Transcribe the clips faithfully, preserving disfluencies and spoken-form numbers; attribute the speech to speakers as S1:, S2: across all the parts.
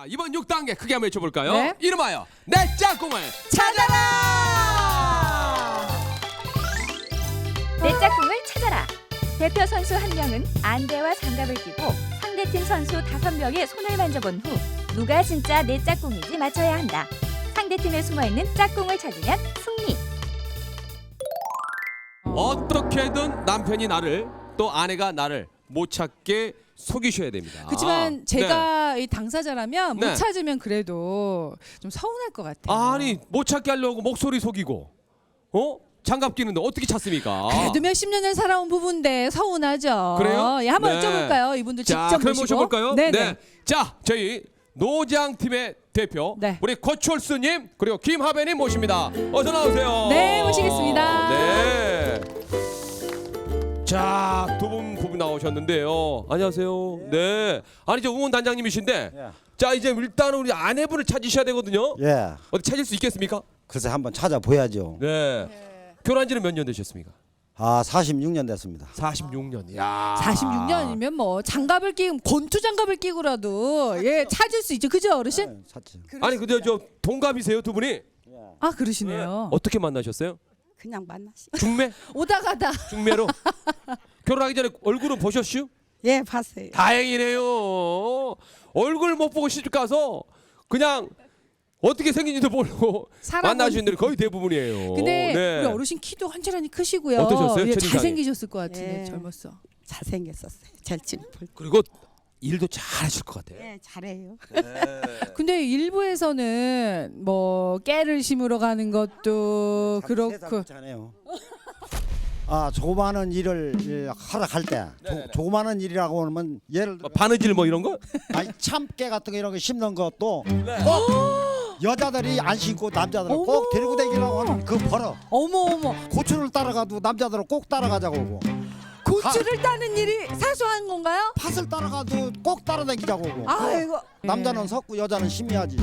S1: 자, 이번 육 단계 크게 한번 외쳐볼까요?
S2: 네.
S1: 이름하여 내 짝꿍을
S2: 찾아라!
S3: 내 짝꿍을 찾아라. 대표 선수 한 명은 안대와 장갑을 끼고 상대팀 선수 다섯 명의 손을 만져본 후 누가 진짜 내 짝꿍인지 맞춰야 한다. 상대팀에 숨어있는 짝꿍을 찾으면 승리.
S1: 어떻게든 남편이 나를 또 아내가 나를 못 찾게 속이셔야 됩니다.
S2: 그렇지만
S1: 아,
S2: 제가 이 당사자라면
S1: 네.
S2: 못 찾으면 그래도 좀 서운할 것 같아요.
S1: 아니 못 찾게 하려고 목소리 속이고 어? 장갑 끼는데 어떻게 찾습니까?
S2: 그래도 몇십 년을 살아온 부부인데 서운하죠.
S1: 그래요?
S2: 예, 한번
S1: 네.
S2: 여쭤볼까요? 이분들
S1: 자,
S2: 직접
S1: 그럼
S2: 모시고.
S1: 모셔볼까요?
S2: 네네.
S1: 자, 저희 노장팀의 대표
S2: 네.
S1: 우리 고철수님 그리고 김하배님 모십니다. 어서 나오세요.
S2: 네, 모시겠습니다.
S1: 네. 자, 두 분 부부 나오셨는데요. 안녕하세요. 네. 아니 저 응원 단장님이신데,
S4: 예.
S1: 자 이제 일단은 우리 아내분을 찾으셔야 되거든요.
S4: 예,
S1: 어디 찾을 수 있겠습니까?
S4: 글쎄 한번 찾아보야죠.
S1: 네. 결혼한 지는 몇 년 되셨습니까?
S4: 아, 사십육 년 됐습니다.
S1: 사십육 년. 야.
S2: 사십육 년이면 뭐 장갑을 끼고 권투 장갑을 끼고라도 예 찾을 수 있죠. 그죠, 어르신?
S4: 네, 찾지.
S1: 아니 근데 저 동갑이세요 두 분이?
S2: 아, 그러시네요.
S1: 어떻게 만나셨어요?
S5: 그냥 만나시.
S1: 중매?
S2: 오다 가다.
S1: 중매로? 결혼하기 전에 얼굴은 보셨슈?
S5: 예, 봤어요.
S1: 다행이네요. 얼굴 못 보고 시집 가서 그냥 어떻게 생긴지도 모르고
S2: 살아본-
S1: 만나신 분들이 거의 대부분이에요.
S2: 근데
S1: 네.
S2: 우리 어르신 키도 환절하니 크시고요.
S1: 어떠셨어요?
S2: 예,
S1: 첫인상이?
S2: 잘생기셨을 것 같은데
S5: 예.
S2: 젊었어.
S5: 잘생겼었어요. 잘 찜풀.
S1: 그리고 일도 잘하실 것 같아요.
S5: 예, 잘해요.
S2: 근데 일부에서는 뭐 깨를 심으러 가는 것도 그렇고
S4: 하네요. 아, 조그마한 일을 예, 하러 갈 때, 조, 조그마한 일이라고 하면 예를 들어,
S1: 뭐 바느질 뭐 이런 거?
S4: 아니, 참깨 같은 거 이런 거 심는 것도
S1: 네.
S4: 꼭 여자들이 안 신고 남자들은
S2: 어머.
S4: 꼭 데리고 다니라고 하는 그 버릇.
S2: 어머 어머
S4: 고추를 따라가도 남자들은 꼭 따라가자고 하고,
S2: 고추를 따는 일이 사소한 건가요?
S4: 팥을 따라가도 꼭 따라다니자고 하고.
S2: 아이고
S4: 남자는 섰고 여자는 심해야지.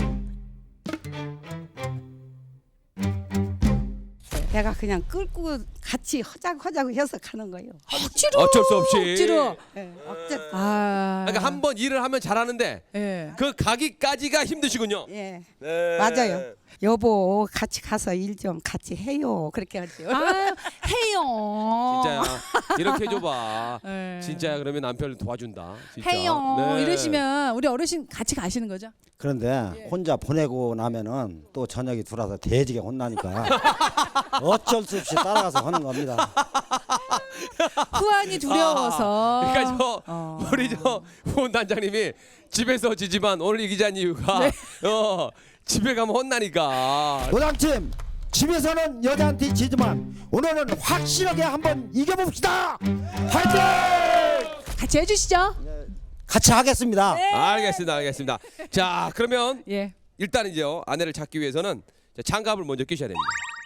S5: 내가 그냥 끌고 같이 허자고 허자고 해서 가는 거예요.
S2: 억지로
S1: 어쩔 수 없이.
S2: 억지로
S5: 예, 어째.
S2: 아
S1: 그러니까 한 번 일을 하면 잘하는데
S2: 예.
S1: 그 가기까지가 힘드시군요.
S5: 예,
S1: 네.
S5: 맞아요. 여보, 같이 가서 일 좀 같이 해요. 그렇게 하죠.
S2: 아 해요
S1: 진짜야. 이렇게 해줘봐.
S2: 예.
S1: 진짜야. 그러면 남편을 도와준다. 진짜.
S2: 해요
S1: 네.
S2: 이러시면 우리 어르신 같이 가시는 거죠?
S4: 그런데 혼자 보내고 나면은 또 저녁이 들어와서 대지게 혼나니까 어쩔 수 없이 따라가서 하는 겁니다.
S2: 후안이 두려워서
S1: 그러니까 저
S2: 어.
S1: 우리 저 후원 단장님이 집에서 지지만 오늘 이기자는 이유가
S2: 네.
S1: 어 집에 가면 혼나니까.
S4: 노장팀, 집에서는 여자한테 지지만 오늘은 확실하게 한번 이겨봅시다. 화이팅!
S2: 같이 해주시죠.
S4: 같이 하겠습니다.
S1: 알겠습니다, 알겠습니다. 자, 그러면
S2: 예.
S1: 일단 이제 아내를 찾기 위해서는 자, 장갑을 먼저 끼셔야 됩니다.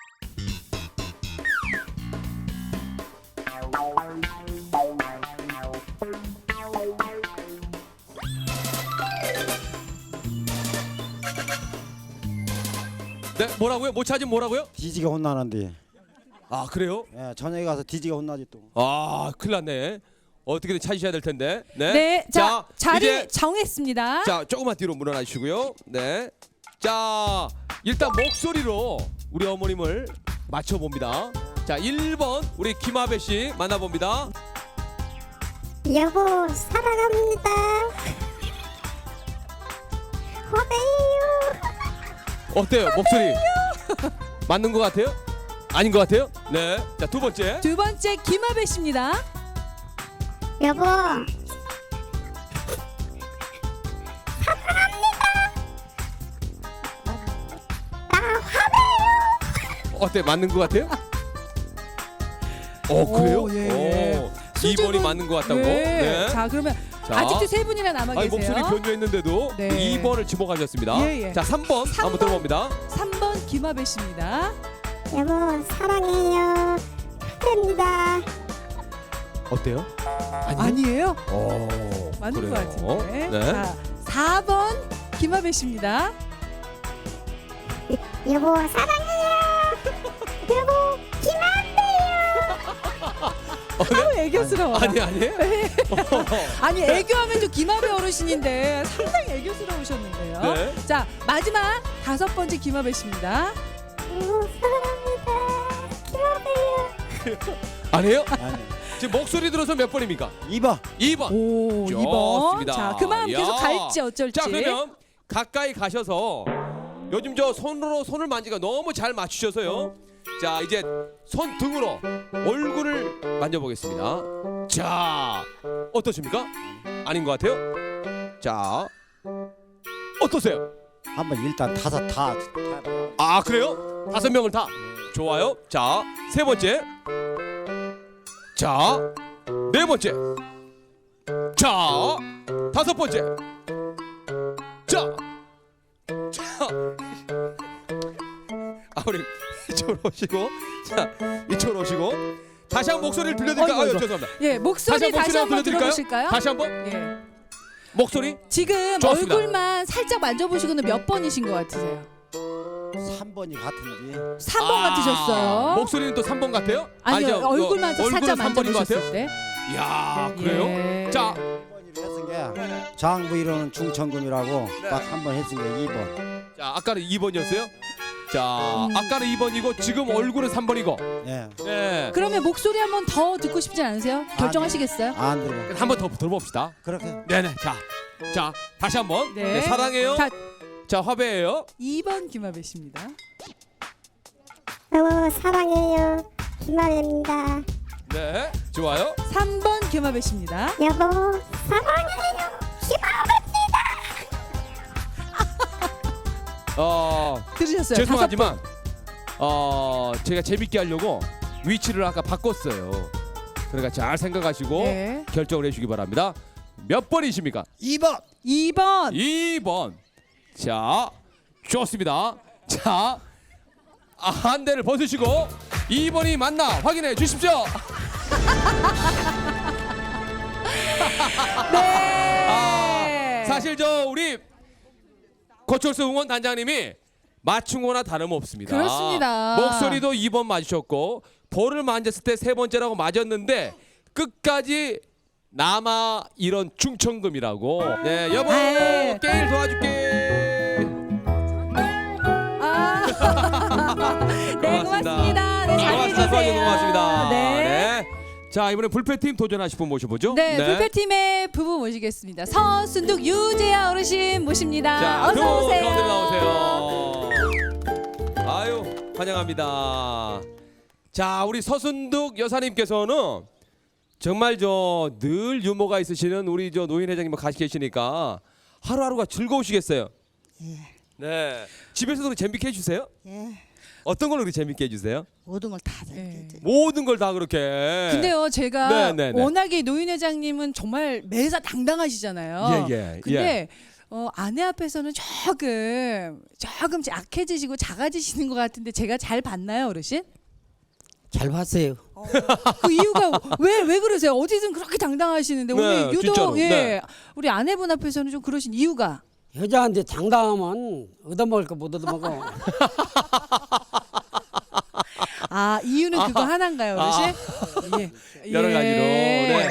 S1: 네, 뭐라고요? 못 찾으면 뭐라고요?
S4: 뒤지게 혼나는데.
S1: 아, 그래요?
S4: 예, 저녁에 가서 뒤지게 혼나지 또.
S1: 아, 큰일 났네. 어떻게든 찾으셔야 될 텐데. 네.
S2: 네, 자, 자리
S1: 이제
S2: 정했습니다.
S1: 자, 조금만 뒤로 물러나 주시고요. 네. 자, 일단 목소리로 우리 어머님을 맞춰 봅니다. 자, 일 번 우리 김하배 씨 만나 봅니다.
S6: 여보 사랑합니다. 화배요.
S1: 어때요? 목소리 맞는 것 같아요? 아닌 것 같아요? 네. 자, 두 번째.
S2: 두 번째 김하배 씨입니다.
S6: 여보
S1: 어때? 맞는 것 같아요? 어, 그래요?
S2: 오, 예.
S1: 오, 이 번이
S2: 수줍은-
S1: 맞는 것 같다고?
S2: 예.
S1: 네.
S2: 자, 그러면
S1: 자.
S2: 아직도 세 분이나 남아
S1: 아니,
S2: 계세요.
S1: 목소리 변조했는데도
S2: 네.
S1: 이 번을 지목하셨습니다.
S2: 예, 예.
S1: 자, 삼 번
S2: 삼
S1: 한번
S2: 번.
S1: 들어봅니다.
S2: 삼 번 김하배 씨입니다.
S6: 여보 사랑해요. 화배입니다.
S1: 어때요? 아니요?
S2: 아니에요?
S1: 오,
S2: 맞는
S1: 그래요.
S2: 것 같은데.
S1: 네.
S2: 자, 사 번 김하배 씨입니다.
S6: 여보 사랑해요. 여보 김한배요.
S2: 아우 애교스러워.
S1: 아니 아니에요?
S2: 아니 애교하면 좀 김아배 어르신인데 상당히 애교스러우셨는데요.
S1: 네.
S2: 자 마지막 다섯 번째 김아배 씨입니다.
S6: 여보 사랑합니다. 김아배요.
S1: 아니에요?
S4: 아니,
S1: 지금 목소리 들어서 몇 번입니까?
S4: 이 번.
S1: 이 번.
S2: 오 이 번.
S1: 좋습니다.
S2: 자 그 마음 계속
S1: 야.
S2: 갈지 어쩔지.
S1: 자 그러면 가까이 가셔서 요즘 저 손으로 손을 만지가 너무 잘 맞추셔서요. 자 이제 손 등으로 얼굴을 만져보겠습니다. 자 어떠십니까? 아닌 것 같아요. 자 어떠세요?
S4: 한번 일단 다섯 다.
S1: 아 그래요? 다섯 명을 다 좋아요. 자 세 번째, 자 네 번째, 자 다섯 번째, 자, 자. 아 우리 이쪽으로 오시고, 자 이쪽으로 오시고 다시 한번 목소리를 들려드릴까요?
S2: 어이구,
S1: 아유
S2: 어이구.
S1: 죄송합니다.
S2: 예 목소리
S1: 다시
S2: 다시
S1: 한번
S2: 한번
S1: 목소리 한번
S2: 들어보실까요?
S1: 다시 한번
S2: 예.
S1: 목소리
S2: 지금
S1: 좋습니다.
S2: 얼굴만 살짝 만져보시고는 몇 번이신 것 같으세요?
S4: 삼 번이 같은지.
S2: 삼 번
S1: 아,
S2: 같으셨어요.
S1: 목소리는 또 삼 번 같아요?
S2: 아니요
S1: 아니죠.
S2: 얼굴만
S1: 어,
S2: 살짝
S1: 얼굴은 삼 번인 것 같아요?
S2: 만져보셨을 때.
S1: 이야 그래요?
S2: 예.
S1: 자
S4: 이 번으로 했은 게 장부 이론은 중천금이라고
S1: 네.
S4: 딱 한 번 했은 게 이 번.
S1: 자 아까는 이 번이었어요? 자
S2: 음.
S1: 아까는 이 번이고 지금 얼굴은 삼 번이고
S4: 예.
S1: 네.
S2: 그러면 목소리 한 번 더 듣고 싶지 않으세요? 결정하시겠어요?
S4: 안 들어.
S1: 한 번 더 들어봅시다.
S4: 그렇게.
S1: 네네 자, 자 다시 한번
S2: 네.
S1: 네, 사랑해요.
S2: 자
S1: 자 화배예요.
S2: 이 번 김아배 씨입니다.
S6: 여보 사랑해요. 김아배입니다.
S1: 네 좋아요.
S2: 삼 번 김아배 씨입니다.
S6: 여보 사랑해요. 김아배입니다.
S1: 어
S2: 들으셨어요?
S1: 죄송하지만 어 제가 재밌게 하려고 위치를 아까 바꿨어요. 그러니까 잘 생각하시고
S2: 네.
S1: 결정을 해주시기 바랍니다. 몇 번이십니까?
S4: 이 번.
S2: 이 번.
S1: 이 번. 자 좋습니다. 자 아, 한 대를 벗으시고 이 번이 맞나 확인해 주십시오.
S2: 네.
S1: 아, 사실 저 우리 고철수 응원 단장님이 맞춘 거나 다름없습니다.
S2: 그렇습니다.
S1: 목소리도 이 번 맞으셨고 볼을 만졌을 때 세 번째라고 맞았는데 끝까지 남아 이런 충청금이라고. 네 여보
S2: 아이.
S1: 게임 도와줄게.
S2: 아. 네 고맙습니다. 네, 잘
S1: 고맙습니다.
S2: 해주세요.
S1: 수고하셔서 고맙습니다.
S2: 네.
S1: 네. 자 이번에 불패팀 도전하실 분 모셔보죠.
S2: 네, 불패팀의 부부 모시겠습니다. 서순득 유재하 어르신 모십니다.
S1: 자,
S2: 어서
S1: 두
S2: 오세요.
S1: 가운데 나오세요. 아유, 환영합니다. 자, 우리 서순득 여사님께서는 정말 저 늘 유머가 있으시는 우리 저 노인 회장님 같이 계시니까 하루하루가 즐거우시겠어요. 네. 집에서도 그렇게 재밌게 해주세요?
S5: 예.
S1: 어떤 걸로 그렇게 재밌게 해주세요?
S5: 모든 걸 다
S2: 네.
S5: 잘해줘.
S1: 모든 걸 다 그렇게.
S2: 근데요, 제가
S1: 네, 네, 네.
S2: 워낙에 노인 회장님은 정말 매사 당당하시잖아요.
S1: 예, 예,
S2: 근데 어, 아내 앞에서는 조금 조금 약해지시고 작아지시는 것 같은데 제가 잘 봤나요, 어르신?
S5: 잘 봤어요.
S2: 그 이유가 왜 왜 그러세요? 어디든 그렇게 당당하시는데
S1: 네,
S2: 오늘 유독
S1: 진짜로.
S2: 예
S1: 네.
S2: 우리 아내분 앞에서는 좀 그러신 이유가
S5: 여자한테 장담하면 얻어먹을 거 못 얻어먹어.
S2: 아 이유는 그거 하나인가요, 어르신? 예.
S1: 여러 가지로. 네.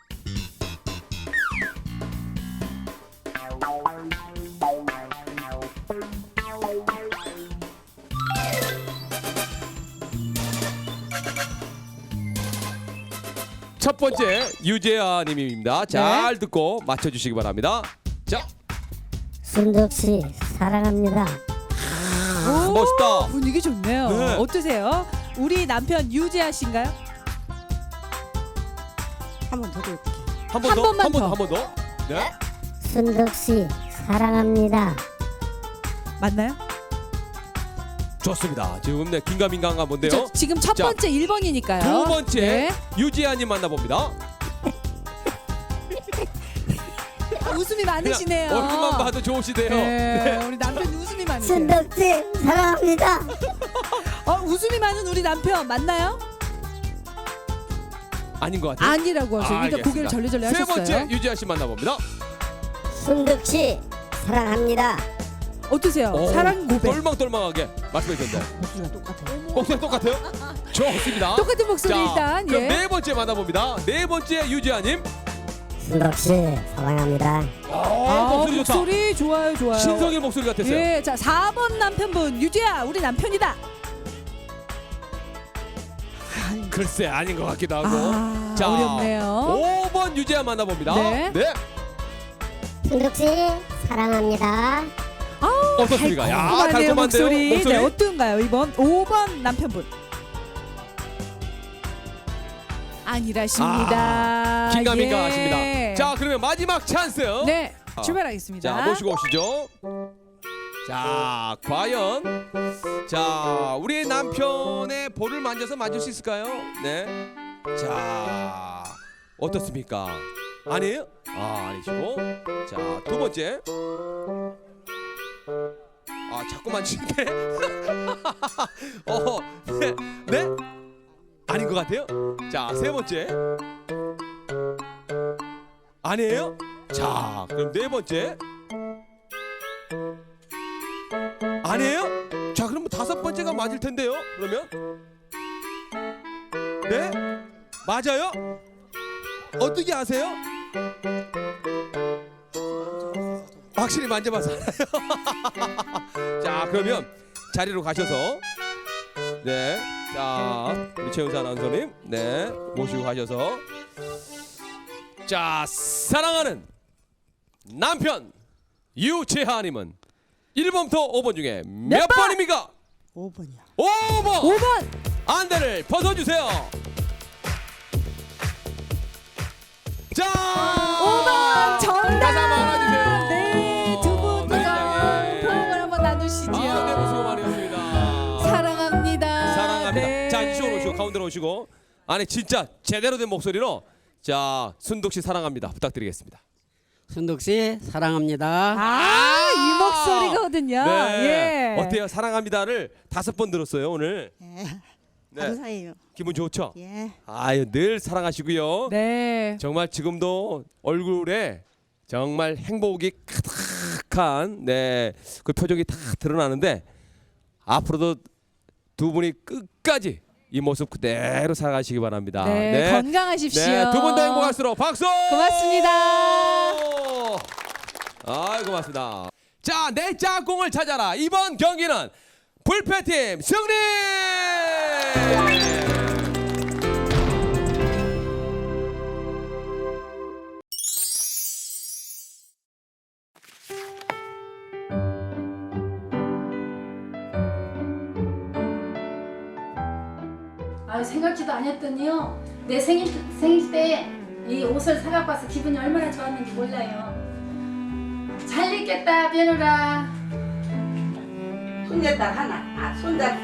S1: 첫 번째 유재하 님입니다. 잘 듣고 맞춰 주시기 바랍니다. 자,
S6: 순덕 씨 사랑합니다.
S2: 오,
S1: 멋있다.
S2: 분위기 좋네요.
S1: 네.
S2: 어떠세요? 우리 남편 유재하 씨인가요?
S5: 한 번 더 줄게.
S1: 한 번
S2: 한
S1: 더,
S2: 번만
S1: 한 번 더,
S2: 더.
S1: 한 번 더. 네.
S6: 순덕 씨 사랑합니다.
S2: 맞나요?
S1: 좋습니다. 지금 네 긴가민가한 건데요.
S2: 저, 지금 첫
S1: 자,
S2: 번째 일 번이니까요.
S1: 두 번째
S2: 네.
S1: 유지아 님 만나봅니다.
S2: 아, 웃음이 많으시네요.
S1: 얼굴만 봐도 좋으시대요.
S2: 네, 우리 남편 웃음이 많으세요.
S6: 순덕 씨 사랑합니다.
S2: 어, 웃음이 많은 우리 남편 맞나요?
S1: 아닌 것 같아요.
S2: 아니라고 하세요. 일단
S1: 알겠습니다.
S2: 고개를 절레절레
S1: 세
S2: 하셨어요.
S1: 번째 유지아 씨 만나봅니다.
S6: 순덕 씨 사랑합니다.
S2: 어떠세요?
S1: 오,
S2: 사랑 고백.
S1: 똘망똘망하게 말씀해 주셨는데
S5: 목소리가 똑같아요.
S1: 목소리 똑같아요? 좋습니다.
S2: 똑같은 목소리
S1: 자,
S2: 일단
S1: 그럼
S2: 예.
S1: 네 번째 만나봅니다. 네 번째 유지아님.
S6: 순덕 씨 사랑합니다.
S1: 어,
S2: 아,
S1: 목소리 좋다.
S2: 목소리 좋아요, 좋아요.
S1: 신성일 목소리 같았어요.
S2: 예, 자 사 번 남편분 유지야, 우리 남편이다.
S1: 글쎄 아닌 것 같기도 하고.
S2: 아,
S1: 자,
S2: 어렵네요.
S1: 오 번 유지아 만나봅니다.
S2: 네.
S6: 순덕 씨 사랑합니다.
S1: 어떻습니까? 야,
S2: 달콤하네요,
S1: 달콤한데요.
S2: 목소리.
S1: 목소리.
S2: 네, 어떤가요? 이번 오 번 남편분. 아니라십니다.
S1: 아, 긴가민가
S2: 예.
S1: 하십니다. 자, 그러면 마지막 찬스.
S2: 네,
S1: 아.
S2: 출발하겠습니다.
S1: 자, 모시고 오시죠. 자, 과연 자, 우리 남편의 볼을 만져서 만질 수 있을까요? 네. 자, 어떻습니까? 아니에요? 아, 아니시고. 자, 두 번째. 아, 자꾸 만지는데. 어, 네, 네? 아닌 것 같아요. 자, 세 번째. 아니에요? 자, 그럼 네 번째. 아니에요? 자, 그럼 다섯 번째가 맞을 텐데요. 그러면 네? 맞아요? 어떻게 아세요? 확실히 만져봐서 알아요. 자, 그러면 자리로 가셔서 네, 자, 우리 최은사 아나운서님 네, 모시고 가셔서 자, 사랑하는 남편 유채하님은 일 번부터 오 번 중에 몇,
S2: 몇 번?
S1: 번입니까?
S5: 오 번이요.
S1: 오 번!
S2: 오 번.
S1: 안대를 벗어주세요. 자,
S2: 오 번 정답.
S1: 가사 말아주세요.
S2: 네, 두 분이서
S1: 네.
S2: 포옹을 한번 나누시지요.
S1: 아, 네, 수고 많으셨습니다.
S2: 사랑합니다.
S1: 사랑합니다.
S2: 네.
S1: 자, 이쪽으로 오시고 가운데로 오시고. 아니 진짜 제대로 된 목소리로 자, 순덕 씨 사랑합니다. 부탁드리겠습니다.
S7: 순덕 씨 사랑합니다.
S2: 아, 이 목소리거든요.
S1: 네.
S2: 예.
S1: 어때요? 사랑합니다를 다섯 번 들었어요 오늘.
S5: 예.
S1: 네.
S5: 감사해요.
S1: 기분 좋죠?
S5: 예.
S1: 아유, 늘 사랑하시고요.
S2: 네.
S1: 정말 지금도 얼굴에 정말 행복이 가득한 네, 그 표정이 다 드러나는데 앞으로도 두 분이 끝까지 이 모습 그대로 살아가시기 바랍니다.
S2: 네, 건강하십시오.
S1: 네, 두 분 다 행복할수록 박수!
S2: 고맙습니다.
S1: 아이, 고맙습니다. 자, 내 짝꿍을 찾아라. 이번 경기는 불패팀 승리!
S8: 아 생각지도 않았더니요 내 생일 생일 때 이 옷을 사갖고 와서 기분이 얼마나 좋았는지 몰라요. 잘 입겠다 며느라.
S5: 손녀딸 하나. 아, 손자.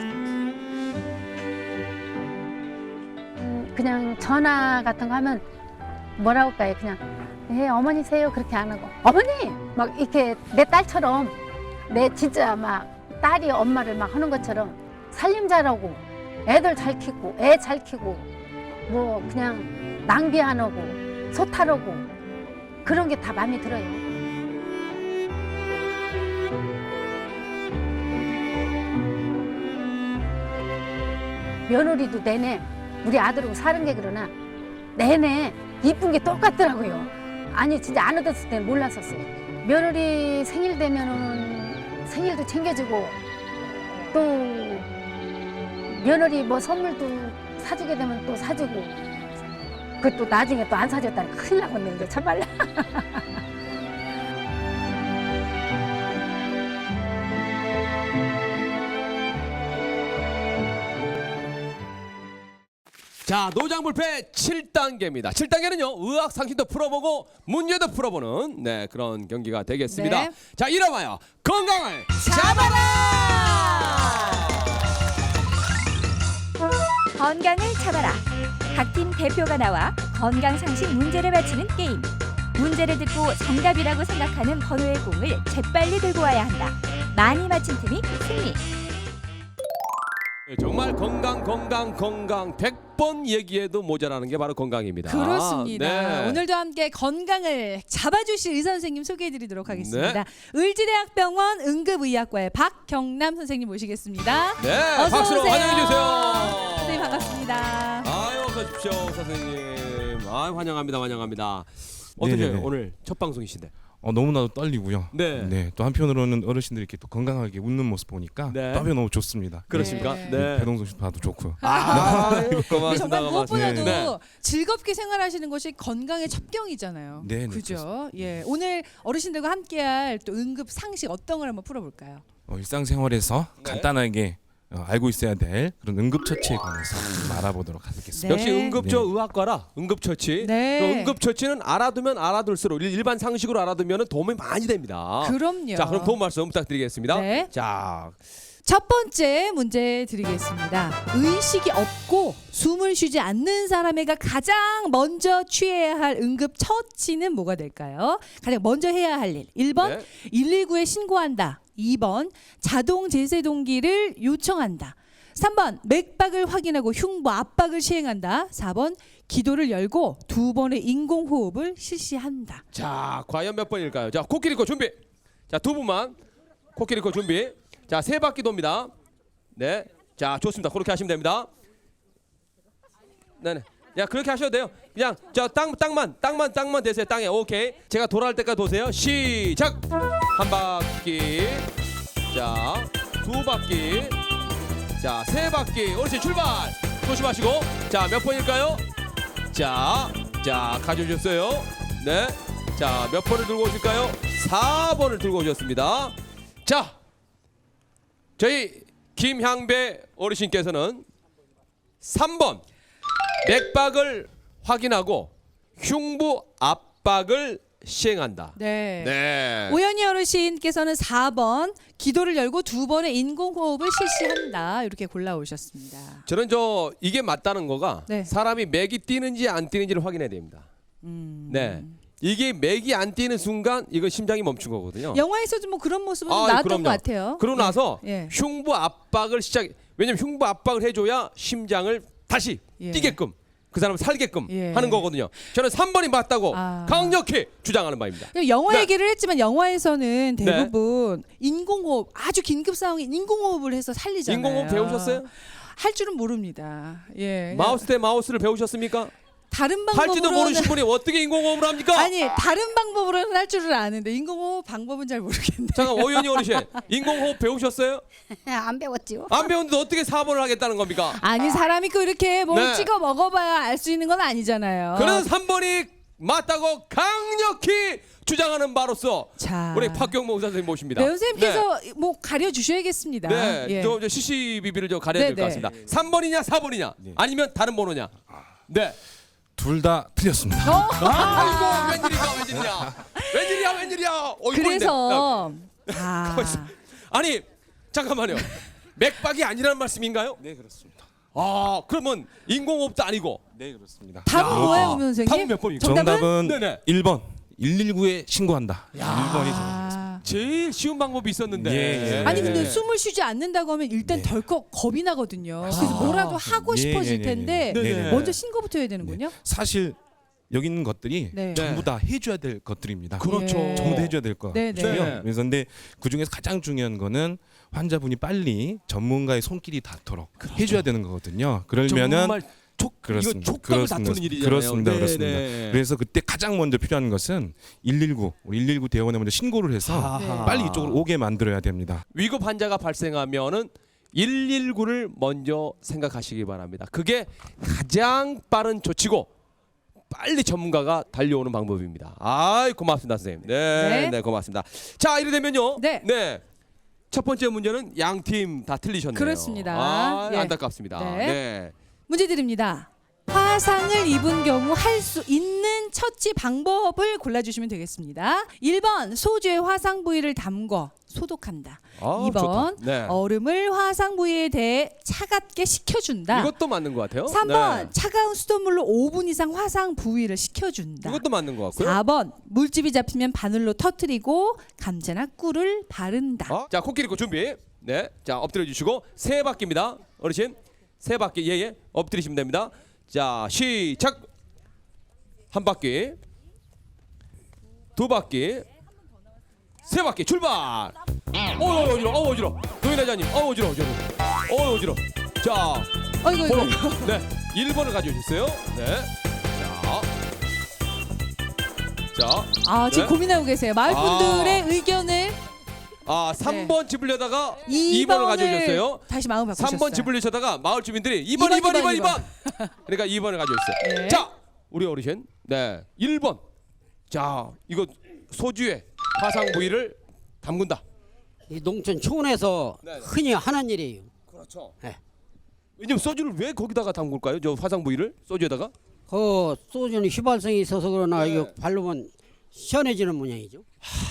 S8: 그냥 전화 같은 거 하면 뭐라고 할까요? 그냥 예 어머니세요 그렇게 안 하고 어머니 막 이렇게 내 딸처럼 내 진짜 막 딸이 엄마를 막 하는 것처럼 살림 잘하고 애들 잘 키고 애 잘 키고 뭐 그냥 낭비 안 하고 소탈하고 그런 게 다 마음에 들어요. 며느리도 내내 우리 아들하고 사는 게 그러나 내내 이쁜 게 똑같더라고요. 아니 진짜 안 얻었을 때는 몰랐었어요. 며느리 생일 되면은 생일도 챙겨주고 또 며느리 뭐 선물도 사주게 되면 또 사주고 그 또 나중에 또 안 사줬다니 큰일 나겠네 참말로.
S1: 자, 노장불패 칠 단계입니다. 칠 단계는요, 의학 상식도 풀어보고 문제도 풀어보는 네, 그런 경기가 되겠습니다.
S2: 네.
S1: 자, 이름하여 건강을 잡아라!
S3: 건강을 잡아라. 각 팀 대표가 나와 건강 상식 문제를 맞히는 게임. 문제를 듣고 정답이라고 생각하는 번호의 공을 재빨리 들고 와야 한다. 많이 맞힌 팀이 승리.
S1: 네, 정말 건강 건강 건강 백 번 얘기해도 모자라는 게 바로 건강입니다.
S2: 그렇습니다.
S1: 네.
S2: 오늘도 함께 건강을 잡아주실 의사 선생님 소개해드리도록 하겠습니다.
S1: 네.
S2: 의지대학병원 응급의학과의 박경남 선생님 모시겠습니다.
S1: 네,
S2: 어서
S1: 박수로
S2: 오세요.
S1: 환영해 주세요.
S2: 선생님 반갑습니다.
S1: 아유, 어서 오십시오, 선생님. 아, 환영합니다, 환영합니다. 어떠세요?
S9: 네네네.
S1: 오늘 첫 방송이신데.
S9: 어, 너무나도 떨리고요.
S1: 네.
S9: 네. 또 한편으로는 어르신들이 이렇게 또 건강하게 웃는 모습 보니까
S1: 네.
S9: 또 한편 너무 좋습니다.
S1: 그렇습니까?
S2: 네.
S1: 네.
S9: 배동석 씨도 봐도 좋고요.
S1: 아,
S2: 근데
S1: 고맙습니다.
S2: 정말 무엇보다도
S1: 고맙습니다. 네.
S2: 즐겁게 생활하시는 것이 건강의 첩경이잖아요.
S9: 네, 네,
S2: 그죠? 예. 오늘 어르신들과 함께할 또 응급 상식 어떤 걸 한번 풀어볼까요?
S9: 어, 일상생활에서
S1: 네.
S9: 간단하게 어, 알고 있어야 될 그런 응급처치에 관해서 좀 알아보도록 하겠습니다.
S2: 네.
S1: 역시 응급조 의학과라 응급처치.
S2: 네.
S1: 그 응급처치는 알아두면 알아둘수록 일- 일반 상식으로 알아두면 도움이 많이 됩니다.
S2: 그럼요.
S1: 자, 그럼 도움 말씀 부탁드리겠습니다.
S2: 네.
S1: 자,
S2: 첫 번째 문제 드리겠습니다. 의식이 없고 숨을 쉬지 않는 사람에게 가장 먼저 취해야 할 응급 처치는 뭐가 될까요? 가장 먼저 해야 할 일. 일 번
S1: 네.
S2: 일일구에 신고한다. 이 번 자동 제세동기를 요청한다. 삼 번 맥박을 확인하고 흉부 압박을 시행한다. 사 번 기도를 열고 두 번의 인공호흡을 실시한다.
S1: 자, 과연 몇 번일까요? 자, 코끼리 코 준비. 자, 두 분만 코끼리 코 준비. 자, 세 바퀴 돕니다. 네, 자, 좋습니다. 그렇게 하시면 됩니다. 네네. 야, 그렇게 하셔도 돼요. 그냥 저 땅 땅만 땅만 땅만 대세요. 땅에. 오케이. 제가 돌아올 때까지 도세요. 시작. 한 바퀴. 자, 두 바퀴. 자, 세 바퀴. 어르신 출발. 조심하시고. 자, 몇 번일까요? 자, 자, 가져오셨어요. 네. 자, 몇 번을 들고 오실까요? 사 번을 들고 오셨습니다. 자, 저희 김향배 어르신께서는 삼 번 맥박을 확인하고 흉부 압박을 시행한다.
S2: 네.
S1: 네.
S2: 오연희 어르신께서는 사 번 기도를 열고 두 번의 인공호흡을 실시한다. 이렇게 골라오셨습니다.
S1: 저는 저 이게 맞다는 거가
S2: 네.
S1: 사람이 맥이 뛰는지 안 뛰는지를 확인해야 됩니다.
S2: 음.
S1: 네. 이게 맥이 안 뛰는 순간 이거 심장이 멈춘 거거든요.
S2: 영화에서도 뭐 그런 모습은
S1: 아,
S2: 나왔던
S1: 그럼요.
S2: 것 같아요.
S1: 그러고
S2: 네.
S1: 나서
S2: 예.
S1: 흉부 압박을 시작. 왜냐면 흉부 압박을 해줘야 심장을 다시
S2: 예.
S1: 뛰게끔 그 사람 살게끔
S2: 예.
S1: 하는 거거든요. 저는 삼 번이 맞다고
S2: 아.
S1: 강력히 주장하는 바입니다.
S2: 영화
S1: 네.
S2: 얘기를 했지만 영화에서는 대부분 인공호흡 아주 긴급 상황에 인공호흡을 해서 살리잖아요.
S1: 인공호흡 배우셨어요?
S2: 할 줄은 모릅니다. 예.
S1: 마우스 대 마우스를 배우셨습니까?
S2: 다른
S1: 할지도
S2: 방법으로는
S1: 모르신 분이 어떻게 인공호흡을 합니까?
S2: 아니 다른 방법으로는 할 줄을 아는데 인공호흡 방법은 잘 모르겠네.
S1: 잠깐 오연희 어르신 인공호흡 배우셨어요?
S5: 안 배웠지요.
S1: 안 배웠는데 어떻게 사 번을 하겠다는 겁니까?
S2: 아니 사람이 그 이렇게 뭘
S1: 네.
S2: 찍어 먹어봐야 알 수 있는 건 아니잖아요.
S1: 그런 삼 번이 맞다고 강력히 주장하는 바로서
S2: 자,
S1: 우리 박경모 의사 선생님 모십니다.
S2: 네, 선생님께서 뭐 가려 주셔야겠습니다.
S1: 네,
S2: 예.
S1: 저, 저 씨씨비비를 좀 가려야 될 것
S2: 네,
S1: 같습니다.
S2: 네.
S1: 삼 번이냐 사 번이냐
S9: 네.
S1: 아니면 다른 번호냐. 네.
S9: 둘 다 틀렸습니다.
S2: 어?
S1: 아이고 웬일이야 웬일이야 웬일이야 웬일이야. 어이,
S2: 그래서
S1: 꼴인데.
S2: 아,
S1: 아니 잠깐만요. 맥박이 아니라는 말씀인가요?
S9: 네, 그렇습니다.
S1: 아 그러면 인공호흡도 아니고
S9: 네, 그렇습니다.
S2: 답은
S1: 야.
S2: 뭐예요, 오면 선생님?
S1: 답은 몇 번이죠?
S2: 정답은?
S9: 정답은
S1: 네네.
S9: 일 번 일일구에 신고한다. 일 번이 정답입니다.
S2: 아.
S1: 제일 쉬운 방법이 있었는데.
S9: 예, 예.
S2: 아니 근데
S1: 네.
S2: 숨을 쉬지 않는다고 하면 일단
S9: 네.
S2: 덜컥 겁이 나거든요. 그래서
S1: 아.
S2: 뭐라도 하고
S9: 예,
S2: 싶어질
S9: 예, 예,
S2: 텐데
S9: 예.
S1: 네네.
S2: 먼저 신고부터 해야 되는군요.
S9: 사실 여기 있는 것들이
S2: 네.
S9: 전부 다 해줘야 될 것들입니다.
S1: 그렇죠.
S2: 예.
S9: 전부 다 해줘야 될 것
S2: 네,
S9: 같고요.
S1: 네.
S9: 그래서 근데 그 중에서 가장 중요한 거는 환자분이 빨리 전문가의 손길이 닿도록 해줘야 되는 거거든요. 그러면은
S1: 정말 촉
S9: 그렇습니다.
S1: 이거 촉감을
S9: 그렇습니다.
S1: 다투는 일이잖아요.
S9: 그렇습니다. 그렇습니다.
S1: 네.
S9: 그래서 그때 가장 먼저 필요한 것은 일일구, 우리 일일구 대원에 먼저 신고를 해서
S1: 아하.
S9: 빨리 이쪽으로 오게 만들어야 됩니다.
S1: 위급 환자가 발생하면은 일일구를 먼저 생각하시기 바랍니다. 그게 가장 빠른 조치고 빨리 전문가가 달려오는 방법입니다. 아이 고맙습니다, 선생님. 네,
S2: 네.
S1: 네, 고맙습니다. 자, 이래 되면요.
S2: 네.
S1: 네. 첫 번째 문제는 양 팀 다 틀리셨네요.
S2: 그렇습니다.
S1: 아,
S2: 예.
S1: 안타깝습니다.
S2: 네.
S1: 네.
S2: 문제 드립니다. 화상을 입은 경우 할 수 있는 처치 방법을 골라주시면 되겠습니다. 일 번 소주에 화상 부위를 담궈 소독한다.
S1: 아,
S2: 이 번
S1: 좋다. 네.
S2: 얼음을 화상 부위에 대해 차갑게 식혀준다.
S1: 이것도 맞는 것 같아요.
S2: 삼 번
S1: 네.
S2: 차가운 수돗물로 오 분 이상 화상 부위를 식혀준다.
S1: 이것도 맞는 것 같고요.
S2: 사 번 물집이 잡히면 바늘로 터뜨리고 감자나 꿀을 바른다.
S1: 어? 자, 코끼리 코 준비. 네, 자 엎드려 주시고 세 바퀴입니다. 어르신 세 바퀴 예예 엎드리시면 됩니다. 자 시작. 한 바퀴, 두 바퀴, 세 바퀴 출발. 어 어지러, 어 어지러. 노인 회장님, 어 어지러, 어지러, 어 어지러. 자,
S2: 어이구 이거.
S1: 번, 네, 일 번을 가져오셨어요. 네, 자, 자,
S2: 아 지금
S1: 네.
S2: 고민하고 계세요. 마을 분들의 의견을
S1: 아 삼 번 집으려다가
S2: 이
S1: 이 번을
S2: 번을
S1: 가져오셨어요.
S2: 다시 마음 바꾸셨어요.
S1: 삼 번 집으려다가 마을 주민들이 이 번,
S2: 이
S1: 이 번,
S2: 번,
S1: 이 번,
S2: 이
S1: 이
S2: 번.
S1: 번. 그러니까 이 번을 가져오셨어요.
S2: 네.
S1: 자, 우리 어르신, 네, 일 번. 자, 이거 소주에 화상 부위를 담근다.
S7: 이 농촌 초원에서
S1: 네.
S7: 흔히 하는 일이에요.
S1: 그렇죠.
S7: 네.
S1: 왜냐면 소주를 왜 거기다가 담글까요? 저 화상 부위를 소주에다가?
S7: 그 소주는 휘발성이 있어서 그러나
S1: 네.
S7: 이거 바르면 시원해지는 모양이죠.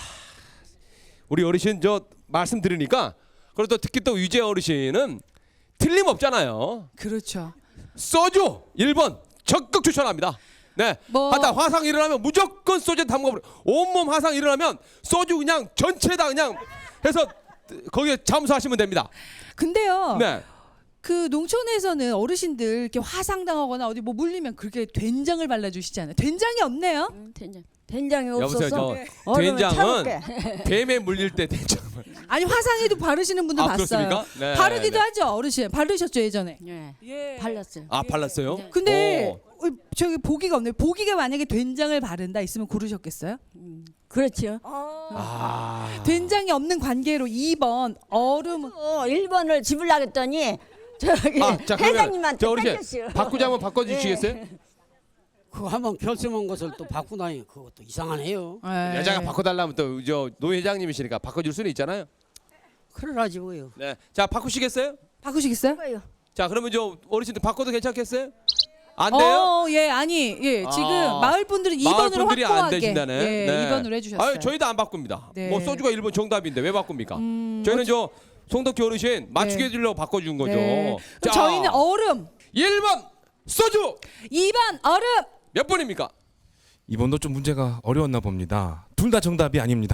S1: 우리 어르신 저 말씀 들으니까 그리고 또 특히 또 유재 어르신은 틀림없잖아요.
S2: 그렇죠.
S1: 소주 일 번 적극 추천합니다. 네.
S2: 뭐-
S1: 하다 화상 일어나면 무조건 소주에 담가버려. 온몸 화상 일어나면 소주 그냥 전체다 그냥 해서 거기에 잠수하시면 됩니다.
S2: 근데요.
S1: 네.
S2: 그 농촌에서는 어르신들 이렇게 화상당하거나 어디 뭐 물리면 그렇게 된장을 발라주시잖아요. 된장이 없네요.
S10: 된장. 된장이
S1: 여보세요.
S10: 없어서
S1: 저
S10: 얼음을
S1: 된장은
S10: 차갑게.
S1: 뱀에 물릴 때 된장을.
S2: 아니 화상에도 바르시는 분들
S1: 아,
S2: 봤어요.
S1: 그렇습니까? 네,
S2: 바르기도
S1: 네.
S2: 하죠 어르신. 바르셨죠 예전에.
S10: 네.
S2: 예.
S10: 발랐어요.
S1: 아 발랐어요?
S10: 네.
S2: 근데
S1: 오.
S2: 어, 저기 보기가 없네요. 보기가 만약에 된장을 바른다 있으면 고르셨겠어요?
S10: 그렇죠.
S1: 아.
S2: 된장이 없는 관계로 이 번 얼음.
S10: 어, 일 번을 집으려고 했더니 저기
S1: 아, 자, 그러면
S10: 회장님한테
S1: 저 어르신
S10: 뺏겼어요.
S1: 바꾸자 한번 바꿔주시겠어요?
S7: 그거 한번 결심한 것을 또 바꾸다니 그것도 이상하네요.
S2: 예.
S1: 여자가 바꿔달라면 또 저 노 회장님이시니까 바꿔줄 수는 있잖아요.
S7: 그러라지 뭐요.
S1: 네. 자 바꾸시겠어요?
S2: 바꾸시겠어요?
S10: 거예요.
S1: 자 그러면 저 어르신들 바꿔도 괜찮겠어요? 안 돼요?
S2: 어, 예, 아니, 예, 지금
S1: 아.
S2: 마을 분들은 이
S1: 마을
S2: 번으로
S1: 분들이 안
S2: 확고하게
S1: 되신다네.
S2: 예,
S1: 네.
S2: 이 번으로 해주셨어요.
S1: 아유, 저희도 안 바꿉니다.
S2: 네.
S1: 뭐 소주가 일 번 정답인데 왜 바꿉니까?
S2: 음,
S1: 저희는 저 송덕기 어르신 맞추게
S2: 네.
S1: 해주려고 바꿔준 거죠.
S2: 네.
S1: 자,
S2: 그럼 저희는 얼음,
S1: 일 번 소주
S2: 이 번 얼음.
S1: 몇 번입니까?
S9: 이번도 좀 문제가 어려웠나 봅니다. 둘 다 정답이 아닙니다.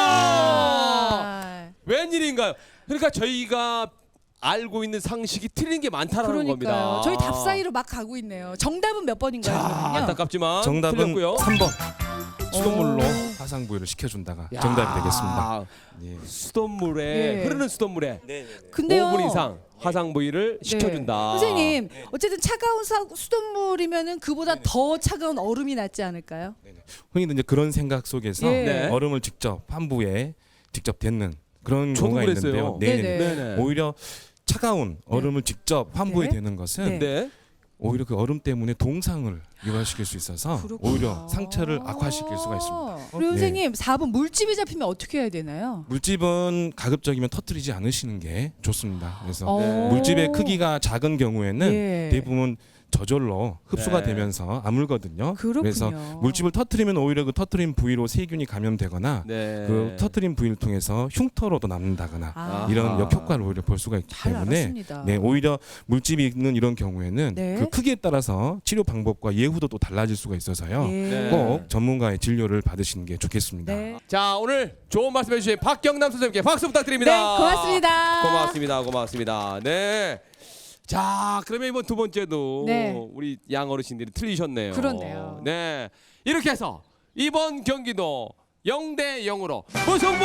S2: 아,
S1: 웬일인가요? 그러니까 저희가 알고 있는 상식이 틀린 게 많다라는 겁니다.
S2: 그러니까요. 저희 답 사이로 막 가고 있네요. 정답은 몇 번인가요?
S1: 자,
S2: 그러면요?
S1: 안타깝지만
S9: 정답은
S1: 틀렸고요.
S9: 삼 번. 수돗물로
S2: 오.
S9: 화상 부위를 식혀준다가
S1: 야,
S9: 정답이 되겠습니다. 예.
S1: 수돗물에
S2: 예.
S1: 흐르는 수돗물에
S2: 근데요.
S1: 오 분 이상 화상 부위를
S2: 네.
S1: 식혀준다.
S2: 선생님, 어쨌든 차가운 사, 수돗물이면은 그보다 더 차가운 얼음이 낫지 않을까요?
S9: 흔히들 이제 그런 생각 속에서
S2: 예.
S1: 네.
S9: 얼음을 직접 환부에 직접 댔는 그런
S1: 저도
S9: 경우가
S1: 그랬어요.
S9: 있는데요. 네네.
S2: 네네.
S1: 네네.
S9: 오히려 차가운 얼음을 직접 환부에
S2: 네.
S9: 대는 것은
S1: 네.
S9: 오히려 그 얼음 때문에 동상을 유발시킬 수 있어서
S2: 그렇구나.
S9: 오히려 상처를 악화시킬 수가 있습니다.
S2: 그리고
S9: 네.
S2: 선생님, 사 번 물집이 잡히면 어떻게 해야 되나요?
S9: 물집은 가급적이면 터뜨리지 않으시는 게 좋습니다. 그래서
S2: 어.
S9: 물집의 크기가 작은 경우에는
S2: 예.
S9: 대부분 저절로 흡수가
S1: 네.
S9: 되면서 아물거든요.
S2: 그렇군요.
S9: 그래서 물집을 터뜨리면 오히려 그 터뜨린 부위로 세균이 감염되거나
S1: 네.
S9: 그 터뜨린 부위를 통해서 흉터로도 남는다거나
S2: 아,
S9: 이런
S1: 아하.
S9: 역효과를 오히려 볼 수가 있기
S2: 잘
S9: 때문에
S2: 알았습니다.
S9: 네, 오히려 물집이 있는 이런 경우에는
S2: 네.
S9: 그 크기에 따라서 치료 방법과 예후도 또 달라질 수가 있어서요.
S2: 예.
S1: 네.
S9: 꼭 전문가의 진료를 받으시는 게 좋겠습니다.
S2: 네.
S1: 자 오늘 좋은 말씀 해주신 박경남 선생님께 박수
S2: 네,
S1: 부탁드립니다.
S2: 고맙습니다.
S1: 고맙습니다. 고맙습니다. 네. 자 그러면 이번 두 번째도
S2: 네.
S1: 우리 양 어르신들이 틀리셨네요.
S2: 그렇네요.
S1: 네. 이렇게 해서 이번 경기도 영 대 영으로 무승부.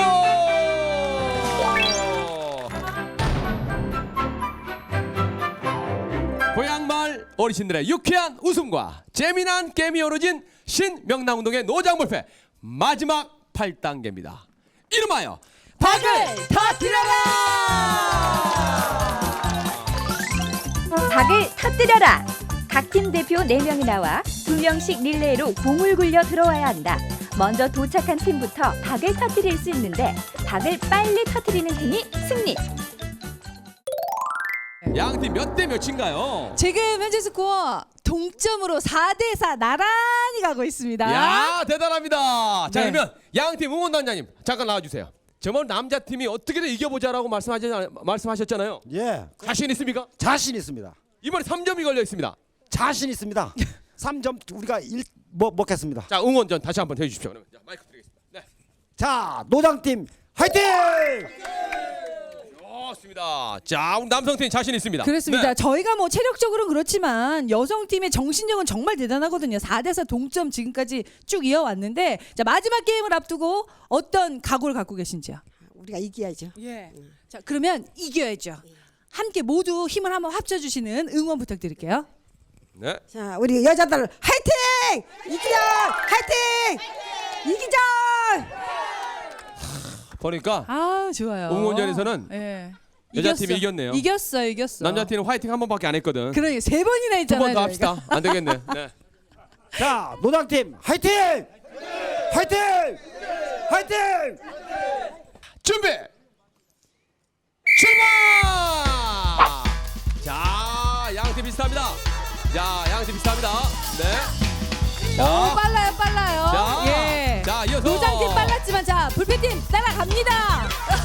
S1: 고향마을 어르신들의 유쾌한 웃음과 재미난 게임이 어우러진 신명랑운동의 노장불패 마지막 팔 단계입니다. 이름하여 박을 터뜨려라!
S3: 박을 터뜨려라. 각 팀 대표 네 명이 나와 두 명씩 릴레이로 공을 굴려 들어와야 한다. 먼저 도착한 팀부터 박을 터뜨릴 수 있는데 박을 빨리 터뜨리는 팀이 승리.
S1: 양팀 몇 대 몇인가요?
S2: 지금 현재 스코어 동점으로 사 대 사 나란히 가고 있습니다.
S1: 야, 대단합니다. 자,
S2: 네.
S1: 그러면 양팀 응원단장님 잠깐 나와주세요. 정말 남자 팀이 어떻게든 이겨보자라고 말씀하셨, 말씀하셨잖아요.
S4: 예,
S1: 자신 있습니까?
S4: 자신 있습니다.
S1: 이번에 삼 점이 걸려 있습니다.
S4: 자신 있습니다. 삼 점 우리가 일 뭐, 먹겠습니다.
S1: 자, 응원전 다시 한번 해주십시오. 그러면 자, 마이크 드리겠습니다. 네.
S4: 자, 노장팀 화이팅!
S1: 좋습니다. 자, 우리 남성팀 자신 있습니다.
S2: 그렇습니다.
S1: 네.
S2: 저희가 뭐 체력적으로는 그렇지만 여성팀의 정신력은 정말 대단하거든요. 사 대 사 동점 지금까지 쭉 이어왔는데 자, 마지막 게임을 앞두고 어떤 각오를 갖고 계신지요?
S5: 우리가 이겨야죠.
S2: 예. 자, 그러면 이겨야죠. 함께 모두 힘을 한번 합쳐주시는 응원 부탁드릴게요.
S1: 네.
S5: 자, 우리 여자들 화이팅! 이기자! 화이팅! 이기자!
S1: 보니까
S2: 아, 좋아요.
S1: 응원전에서는
S2: 예.
S1: 여자팀이
S2: 이겼어.
S1: 이겼네요.
S2: 이겼어요, 이겼어.
S1: 남자팀은 화이팅 한 번밖에 안 했거든.
S2: 그러니까 세 번이나
S1: 두
S2: 했잖아요.
S1: 번 더 합시다. 안 되겠네. 네.
S4: 자, 노장팀 화이팅! 화이팅! 화이팅!
S1: 준비. 출발! 자, 양팀 비슷합니다. 자, 양팀 비슷합니다. 네.
S2: 오, 빨라요, 빨라요.
S1: 자,
S2: 예.
S1: 자, 이어서
S2: 노장팀 빨랐지만 자, 불패팀 따라갑니다.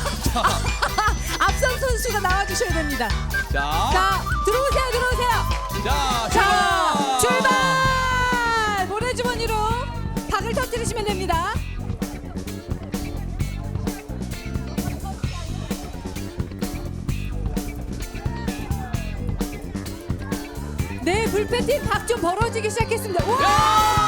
S2: 앞선 선수가 나와주셔야 됩니다.
S1: 자,
S2: 자, 들어오세요, 들어오세요.
S1: 자,
S2: 자, 출발! 모래주머니로 박을 터뜨리시면 됩니다. 네, 불패팀 박 좀 벌어지기 시작했습니다. 우와!